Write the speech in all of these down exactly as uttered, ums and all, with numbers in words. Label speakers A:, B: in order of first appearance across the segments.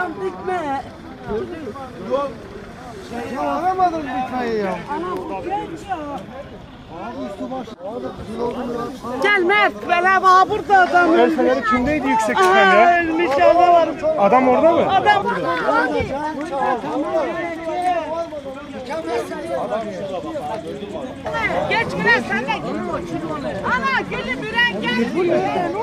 A: Anam dikme.
B: Yok. Ya aramadın dikmeyi ya.
A: Anam genç ya.
B: Üstü baş.
A: Gel Mert, bela var burada adam.
C: El feneri kimdeydi yüksek çıkan
A: Aha,
C: ya?
A: ölmüş adam var.
C: Adam orada mı?
A: Adam. Geç Gülen sen de git. Ana gelin Müren gel.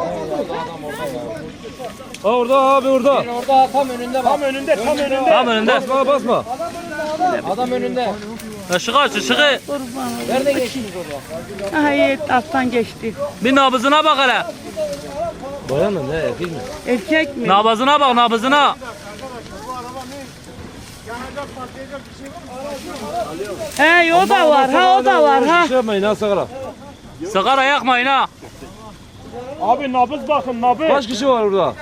D: Ha orada abi orada.
E: Orada tam önünde bak.
C: Tam önünde, tam önünde.
D: Tam önünde. Basma basma.
E: Adam önünde.
D: Işığı aç ışığı.
E: Nereden geçtiniz orada?
A: Hayır, alttan geçti.
D: Bir nabızına bak hele. Bayan mı ne erkek mi?
A: Erkek mi?
D: Nabızına bak nabızına.
A: He, o da var, ha o da var ha.
D: Şey yapmayın ha sigara. Sigara yakmayın ha.
C: Abi nabız bakın, nabız.
D: Kaç kişi var orada?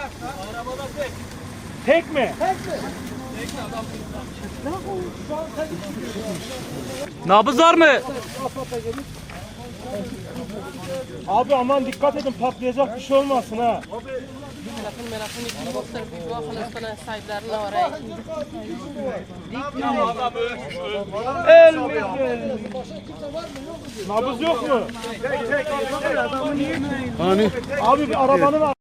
C: Tek mi?
D: Nabız var mı?
C: Abi aman dikkat edin, patlayacak bir şey olmasın ha.
F: Merakın merakın iki boksör bir dua Filistin'e sahiplerine oraya.
C: Nabız yok mu? Hani? Abi bir arabanın